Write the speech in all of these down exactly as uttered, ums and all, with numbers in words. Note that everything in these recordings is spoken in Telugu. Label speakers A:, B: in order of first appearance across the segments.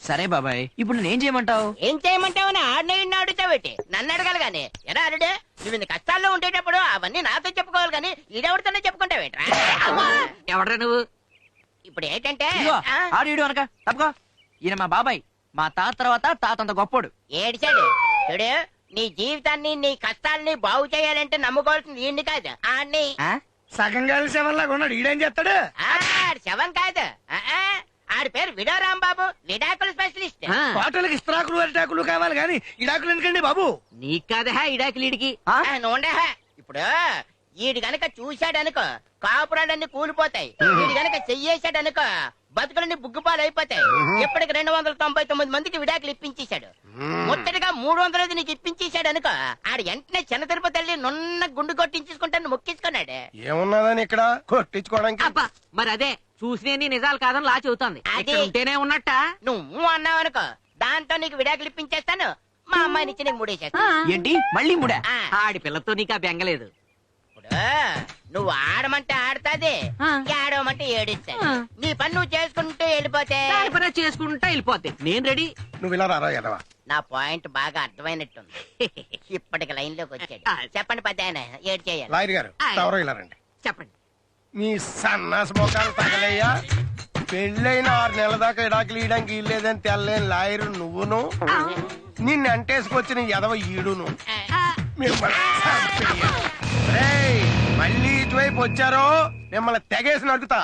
A: సరే బాబాయ్, ఇప్పుడు నేనేం చేయమంటావు?
B: ఏం చేయమంటావు అని ఆడిన అడుగుతావేటి? నన్ను అడగాలి గాని. ఎరా అరుడు, నువ్వు ఇన్ని కష్టాల్లో ఉండేటప్పుడు అవన్నీ నాతో చెప్పుకోవాలి గాని ఈడెవరితోనే చెప్పుకుంటావేట్రా?
A: ఎవడ్రా నువ్వు?
B: ఇప్పుడు ఏంటంటే
A: ఇదిగో,
B: ఆ,
A: ఆడు ఈడు అనక తప్పుకో. ఈయన మా బాబాయ్, మా తాత తర్వాత తాత అంత గొప్పోడు.
B: ఏడిచాడు చూడు. నీ జీవితాన్ని నీ కష్టాలని బాగు చేయాలంటే నమ్ముకోవాల్సింది ఈయన్ని కాదు ఆడిని.
A: ఆ?
C: సగం కలిసి ఎవరిలాగా ఉన్నాడు, ఈడేం చేస్తాడు?
B: ఆడి శవం కాదు. ఆ, ఆ, ఆడి పేరు విడో రాంబాబు, విడాకుల స్పెషలిస్ట్.
A: ఆ,
C: హోటల్కి ఇస్త్రాకులు అరిటాకులు కావాలి కానీ ఇడాకులు ఎందుకండి బాబు?
A: నీకు కాదా ఇడాకిలీడికి?
B: ఆ, నూనె. ఇప్పుడు ఈడు గనక చూశాడనుకో కాపురాలన్నీ కూలిపోతాయి. ఈడు గనక చెయ్యేశాడనుకో బతుకులన్నీ బుగ్గుపాలు అయిపోతాయి. ఇప్పటికి రెండు వందల తొంభై తొమ్మిది మందికి విడాకులు ఇప్పించేశాడు. ముట్టడిగా మూడు వందలది నీకు ఇప్పించేశాడు అనుకో, ఆడు వెంటనే చిన్న తిరుపతి వెళ్ళి నున్న గుండు కొట్టించుకుంటాను మొక్కించుకున్నాడు.
C: ఏమున్నదని ఇక్కడ కొట్టించుకోవడానికి?
D: అబ్బా మరి అదే చూసిన నిజాలు కాదని లా చెబుతోంది.
B: అది.
D: ఇక్కడ ఉంటేనే ఉన్నట్ట.
B: నువ్వు అన్నావు అనుకో దాంతో నీకు విడాకులు ఇప్పించేస్తాను, మా అమ్మాయిని ఇచ్చి నీకు ముడేసేస్తాను.
A: ఏంటి మళ్ళీ ముడా?
B: ఆ,
D: ఆడి పిల్లతో నీకు ఆ బెంగలేదు.
B: ఇప్పుడు నువ్వు ఆడమంటే ఆడతాది,
D: ఆ.
B: ఏడవమంటే ఏడిస్తాది.
D: ఆ.
B: నీ పని నువ్వు చేసుకుంటూ వెళ్ళిపోతే
D: దాని పని అది చేసుకుంటా వెళ్ళిపోతే నేను రెడీ.
C: నువ్వు ఇలా రారా ఎదవా?
B: నా పాయింట్ బాగా అర్థమైనట్టుంది. ఇప్పటికి లైన్ లోకి వచ్చాడు.
D: ఆ.
B: చెప్పండి పెద్ద ఆయన, ఏడు చేయాలి.
C: లాయర్ గారు
D: ఆయ్.
C: ఎవరో ఇలా రండి.
D: చెప్పండి.
C: మీ సన్నాస మొఖాలు తగలయ్యా. పెళ్ళైన ఆరు నెలల దాకా ఇడాకులు ఇయడానికి ఇల్లేదని తెల్లేని లాయరు నువ్వును, నిన్ను అంటేసుకొచ్చిన ఎదవ ఈడును. మిమ్మల్ని చంపేయ. రేయ్, మళ్ళీ ఇటువైపు వచ్చారో మిమ్మల్ని తెగేసి నడుకుతా.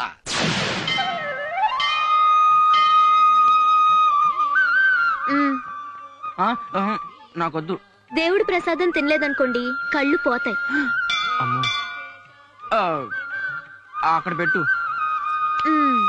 E: మ్మ్.
A: ఆ, ఆహా, నాకొద్దు.
E: దేవుడి ప్రసాదం తినలేదనుకోండి కళ్ళు పోతాయి.
A: అమ్మో. ఆ, అక్కడ పెట్టు.
E: మ్మ్.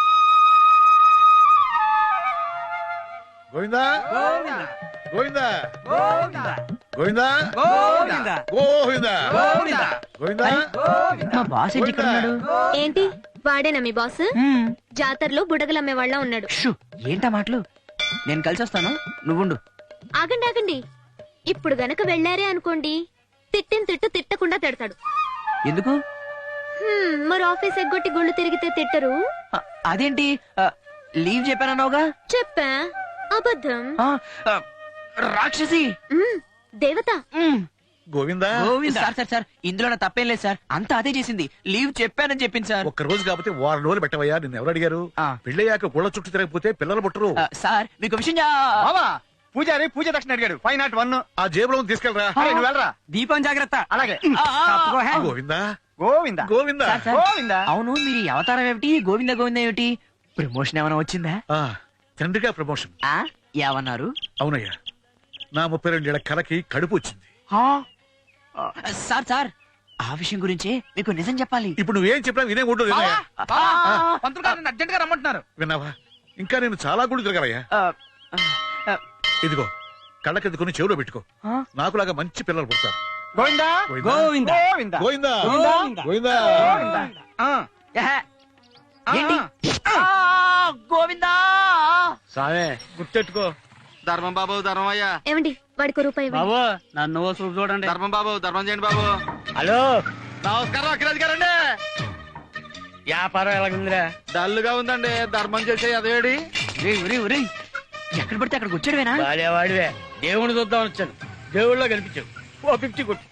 F: గోవిందా గోవిందా
A: గోవిందా
F: గోవిందా
A: గోవిందా
F: గోవిందా
A: గోవిందా.
F: గోవిందా
A: మా బాస్ ఏంటి ఇక్కడ ఉన్నాడు?
E: ఏంటి వాడేనా మీ బాస్?
A: హ్మ్.
E: జాతరలో బుడగలమ్మే వాళ్ళ ఉన్నాడు.
A: షూ, ఏంటా మాటలు? నేను కలిసి వస్తాను, నువ్వుండు.
E: ఆగండి ఆగండి, ఇప్పుడు గనక వెళ్ళారే అనుకోండి తిట్టిన తిట్టు తిట్టకుండా తిడతాడు.
A: ఎందుకు?
E: హ్మ్, మరి ఆఫీస్ ఎగ్గొట్టి గుళ్ళు తిరిగితే తిట్టరు?
A: ఆ, అదేంటి ఆ, లీవ్ చెప్పానన్నావుగా?
E: చెప్పా, అబద్ధం.
A: ఆ, ఆ, రాక్షసి.
E: మ్మ్, దేవత.
A: మ్మ్.
F: గోవిందా
A: సార్ సార్ సార్ ఇందులో నా తప్పేం లేదు సార్, అంతా అదే చేసింది. లీవ్ చెప్పానని చెప్పింది సార్.
F: ఒక్క రోజు కాకపోతే వారం రోజులు పెట్టవయ్యా. నిన్ను ఎవరు అడిగారు?
A: ఆ.
F: పెళ్ళయ్యాక గుళ్ళ చుట్టూ తిరగకపోతే పిల్లలు పుట్టరు.
A: ఆ, సార్ మీకు విషయం చా-
C: బావా, పూజారి పూజ దక్షిణ అడిగాడు. Five not one.
F: ఆ జేబులో ఉంది, తీసుకెళ్ళరా.
A: అరే, నువ్వు
C: వెళ్ళరా.
A: దీపం జాగ్రత్త.
C: అలాగే.
A: ఆ, ఆ,
F: గోవిందా
C: గోవిందా
F: గోవిందా
A: సార్, సార్.
C: గోవిందా.
A: అవును, మీరు ఈ అవతారం ఏమిటి? గోవింద గోవింద ఏమిటి? ప్రమోషన్ ఏమైనా వచ్చిందా?
F: ఆ, తండ్రిగా ప్రమోషన్.
A: ఆ ఏమన్నారు?
F: అవునయ్యా, నా ముప్పై రెండేళ్ల కలకి కడుపు వచ్చింది.
A: ఆ, ఆ, సార్ సార్ ఆ విషయం గురించి మీకు నిజం చెప్పాలి.
F: ఇప్పుడు నువ్వేం చెప్పినా వినే ఉండు. వినయ్యా.
C: పంతులు గారు అర్జెంట్ గా రమ్మంటున్నారు.
F: విన్నావా? ఇంకా నేను చాలా గుళ్ళు తిరగాలయ్యా.
A: ఆ, ఆ,
F: ఇదిగో కళ్ళకెద్దుకుని చెవులో పెట్టుకో.
A: ఆ?
F: నాకులాగా మంచి పిల్లలు పుడతారు.
C: గోవిందా
F: గోవిందా
C: గోవిందా
F: గోవిందా
C: గోవిందా.
F: గోవిందా
C: గోవిందా. ఆ,
A: ఏహే,
C: ఆ,
A: ఏంటి?
C: ఆ.
A: ఆ, గోవిందా.
C: సావే గుర్తెట్టుకో.
G: ధర్మం బాబు ధర్మం అయ్యా.
E: ఏమండి వాడికి రూపాయి ఇవ్వండి.
C: బాబు నన్ను చూపు చూడండి.
G: ధర్మం బాబు ధర్మం చేయండి బాబు.
C: హలో,
G: నమస్కారం అఖిరాజ్ గారండి.
C: వ్యాపారం ఎలాగుందిరా?
G: డల్లుగా ఉందండి. ధర్మం చేసే అదేడి.
A: ఒరేయ్, ఒరేయ్, ఒరేయ్, ఎక్కడ పడితే అక్కడికి వచ్చాడువేనా?
C: వాడేవాడివే, దేవుని చూద్దాం వచ్చాను. దేవుళ్ళ కనిపించావు. ఓ ఫిఫ్టీ కొట్టు.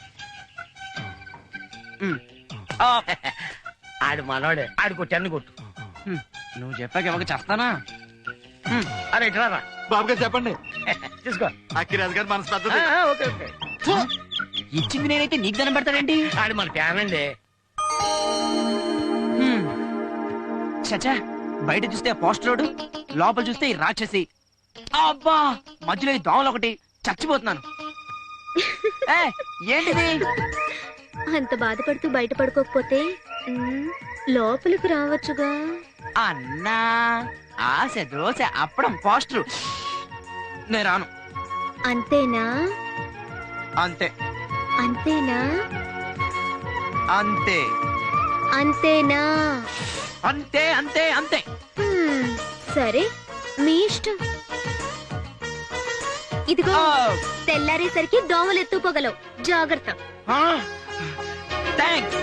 A: ఉమ్. ఆ,
C: ఆడు మనోడే, ఆడు కొట్టి అన్ని కొట్టు.
A: ఉమ్, నువ్వు చెప్పాక ఇవ్వక చేస్తానా? ఉమ్,
C: అరే ఇట్లా
G: బాబు గారు చెప్పండి.
C: తీసుకో.
G: అఖిరాజ్ గారు మనసు
C: ఆ,
G: పెద్దది.
C: ఆ, ఓకే ఓకే.
A: ఫు, ఇచ్చింది నేనైతే నీకు దండం పెడతాడేంటి?
C: ఆడు మన ఫ్యాన్ అండి.
A: హ్మ్. చచ్చా, బయట చూస్తే పోస్టరోడు, లోపల చూస్తే ఈ రాక్షసి. అబ్బా, మధ్యలో ఈ దోమలు ఒకటి, చచ్చిపోతున్నాను. ఏ, ఏంటిది?
E: అంత బాధపడుతూ బయట పడుకోకపోతే మ్మ్, లోపలికి రావచ్చుగా.
A: అన్నా, ఆశ దోశ అప్పడం పోస్టరు. నేను రాను.
E: అంతేనా?
A: అంతే
E: అంతేనా?
A: అంతే
E: అంతేనా?
A: అంతే అంతే అంతే.
E: హ్మ్, సరే మీ ఇష్టం. ఇదిగో
A: ఆ,
E: తెల్లారేసరికి దోమలు ఎత్తుపోగలవు, జాగ్రత్త.
A: ఆ, థాంక్స్.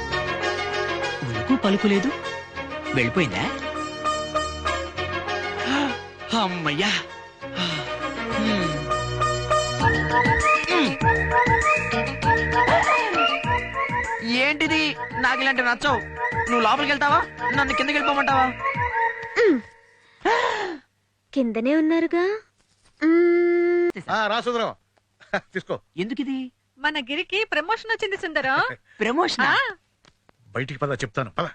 A: ఉలుకు పలుకు లేదు, వెళ్ళిపోయిందా? ఆ, అమ్మయ్యా హ్మ్. హ్మ్. ఏంటిది నాకు ఇలాంటివి నచ్చవు. నువ్వు లోపలికి వెళ్తావా నన్ను కిందకి వెళ్ళిపోమంటావా?
E: కిందనే ఉన్నారుగా. మ్మ్.
F: ఆ, రా సుందరం తీసుకో.
A: ఎందుకు ఇది
H: మన గిరికి ప్రమోషన్ వచ్చింది సుందరం.
A: ప్రమోషన్?
F: బయటికి పద చెప్తాను పద.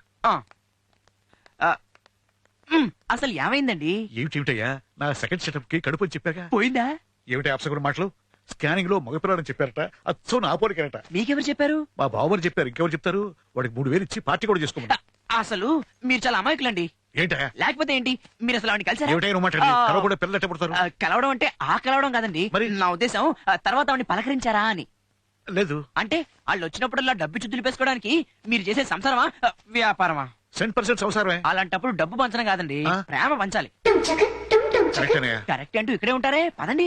A: అసలు ఏమైందండి?
F: ఏమిటేమిటయ్యా నా సెకండ్ సెటప్ కి కడుపు అని చెప్పాక
A: పోయిందా?
F: ఏమిటి అప్సగుడు మాటలు? స్కానింగ్ లో మగపిల్లాడని చెప్పారట, అచ్చో నా పోలికరట.
A: మీకెవరు చెప్పారు?
F: మా బావమని చెప్పారు, ఇంకెవరు చెప్తారు? వాడికి మూడు వేలు ఇచ్చి పార్టీ కూడా చేసుకోమని.
A: అసలు మీరు చాలా అమాయకులండి.
F: ఏంటయ్యా
A: లేకపోతే ఏంటి, మీరు అసలు ఆవిడని కలిసారా?
F: ఏమిటైనా మాట
A: ఆ,
F: కలవకుండా పిల్లలు ఎట్ట పుడతారు?
A: ఆ, కలవడం అంటే ఆ కలవడం కాదండి.
F: మరి?
A: నా ఉద్దేశం ఆ, తర్వాత ఆవిడని పలకరించారా అని.
F: లేదు,
A: అంటే వాళ్ళు వచ్చినప్పుడల్లా డబ్బు చుద్దులు పేసుకోవడానికి మీరు చేసే సంసారమా ఆ, వ్యాపారమా?
F: సెంట్ పర్సెంట్ అవసరమే.
A: అలాంటప్పుడు డబ్బు పంచడం కాదండి,
F: ఆ?
A: ప్రేమ పంచాలి.
F: కరెక్టేనయ్యా.
A: కరెక్ట్ అంటూ ఇక్కడే ఉంటారే, పదండి.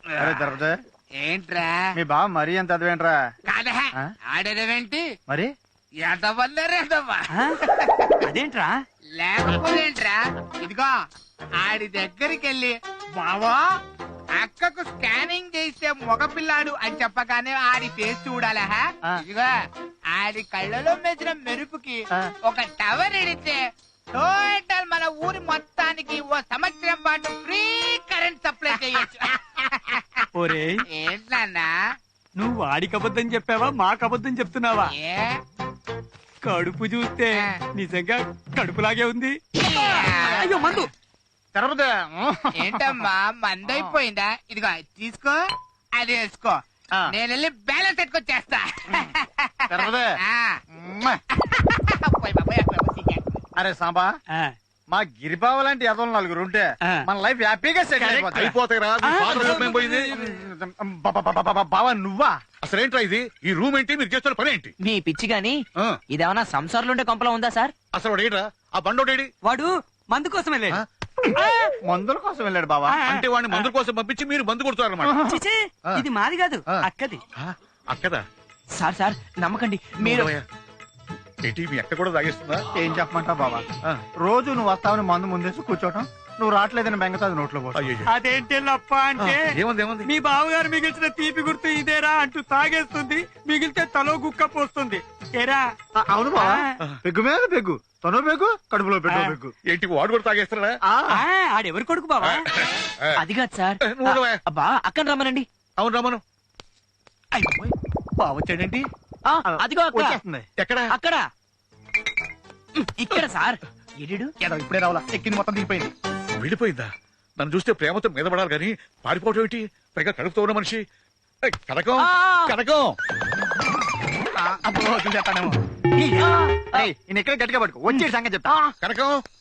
G: ఏంట్రా
I: మీ బావ మరీ ఎంత అదివేంట్రా?
G: కాదా ఆడేదేంటి
I: మరి
G: ఎదవల్లేరేదవ్వా
A: అదేంట్రా?
G: లేకపోతేంట్రా ఇదిగో ఆడి దగ్గరికి వెళ్ళి బావా అక్కకు స్కానింగ్ చేస్తే మగపిల్లాడు అని చెప్పగానే ఆడి ఫేస్ చూడాలా హా?
I: ఆ.
G: ఇదిగో ఆడి కళ్ళలో మెచ్చిన మెరుపుకి
I: ఆ.
G: ఒక టవర్ ఎడితే టోటల్ మన ఊరి మొత్తానికి ఓ సంవత్సరం పాటు ఫ్రీ కరెంట్ సప్లై చేయొచ్చు.
J: ఒరే
G: ఏంటన్నా
J: నువ్వు వాడికి అబద్ధం చెప్పావా మాకు అబద్ధం చెప్తున్నావా?
G: ఏ
J: కడుపు చూస్తే నిజంగా కడుపులాగే ఉంది.
A: అయ్యో మందు.
I: తిరుపతి
G: ఏంటమ్మా మందైపోయిందా? ఇదిగో తీసుకో, అది వేసుకో,
I: ఆ.
G: నేను వెళ్ళి బ్యాలెన్స్ ఎట్టుకొచ్చేస్తా.
I: తిరుపతి
G: ఆ.
I: మ్మ్.
G: పోయ్ బాబోయ్, అక్కడ సిగ్గే.
I: అరే సాంబా,
J: ఆ,
I: మా గిరిబావ లాంటి ఎదవలు నలుగురు ఉంటే
J: ఆ.
I: మన లైఫ్ హ్యాపీగా సెటిల్ అయిపోతుంది.
F: అయిపోతాయి రా, మీ father hope ఏం పోయింది?
I: బావా నువ్వా?
F: అసలేంట్రా ఇది? ఈ రూమ్ ఏంటి, మీరు చేస్తున్న పని ఏంటి?
A: మీ పిచ్చి గాని
F: ఆ,
A: ఇదేమన్నా సంసారంలో ఉండే కొంపలో ఉందా సార్?
F: అసలు వాడు ఏంట్రా? ఆ బండోడేడి?
J: వాడు మందు కోసమే లేదు.
F: ఆ?
I: మందుల కోసం వెళ్ళాడు బావా.
F: అంటే వాడిని మందుల కోసం పంపించి మీరు మందు కొడుతారన్నమాట.
J: చిచే,
F: ఆ.
J: ఇది మాది కాదు
F: ఆ.
J: అక్కది.
F: ఆ, అక్కదా?
A: సార్ సార్ నమ్మకండి మీరు.
F: ఉండవయ్యా. ఏంటి మీ అక్క కూడా తాగేస్తుందా?
I: ఏం చెప్పమంటావు బావా?
F: ఆ,
I: రోజు నువ్వు వస్తావని మందు ముందేసి కూర్చోటం, నువ్వు రావట్లేదని బెంగతో అది నోట్లో పోతావు.
F: అయ్యయ్యో.
J: అదేంటి లప్ప అంటే
F: ఆ, ఏముంది ఏముంది?
J: మీ బావగారు మిగిల్చిన తీపి గుర్తు ఇదేరా అంటూ తాగేస్తుంది, మిగిలితే తలో గుక్క పోస్తుంది. ఏరా
I: ఆ, అవును బావా,
J: ఆ.
I: పెగ్గు మీద పెగ్గు, తను పెగ్గు, కడుపులో పెట్టు
J: ఆ.
I: పెగ్గు.
F: ఏంటి వాడు కూడా తాగేస్తాడా?
I: ఆ,
J: ఆ, ఆడెవరి కొడుకు బావా?
F: ఆ,
A: అది కాదు సార్.
F: నువ్వు ఉండవయ్యా.
A: అబ్బా అక్కని రమ్మనండి.
F: అవును రమను.
A: అయిపోయి.
F: బావ వచ్చాడేంటి?
A: ఆ, అదిగో అక్క.
I: వచ్చేస్తుంది.
F: ఎక్కడ?
A: అక్కడ ఇక్కడ సార్. ఎడిడు
I: ఏదో ఇప్పుడే రావాలా, ఎక్కింది మొత్తం దిగిపోయింది.
F: వెళ్ళిపోయిందా? నన్ను చూస్తే ప్రేమతో మీద పడాలి కానీ పారిపోవటం ఏంటి? పైగా కడుపుతో ఉన్న మనిషి. ఏయ్, కనకం
A: ఆ.
F: కనకం.
I: అప్పుడు చూసేస్తానేమో.
A: ఆ,
I: ఈయన ఎక్కడ గట్టిగా పట్టుకో, వచ్చే సంగతి చెప్తా.
F: కనకం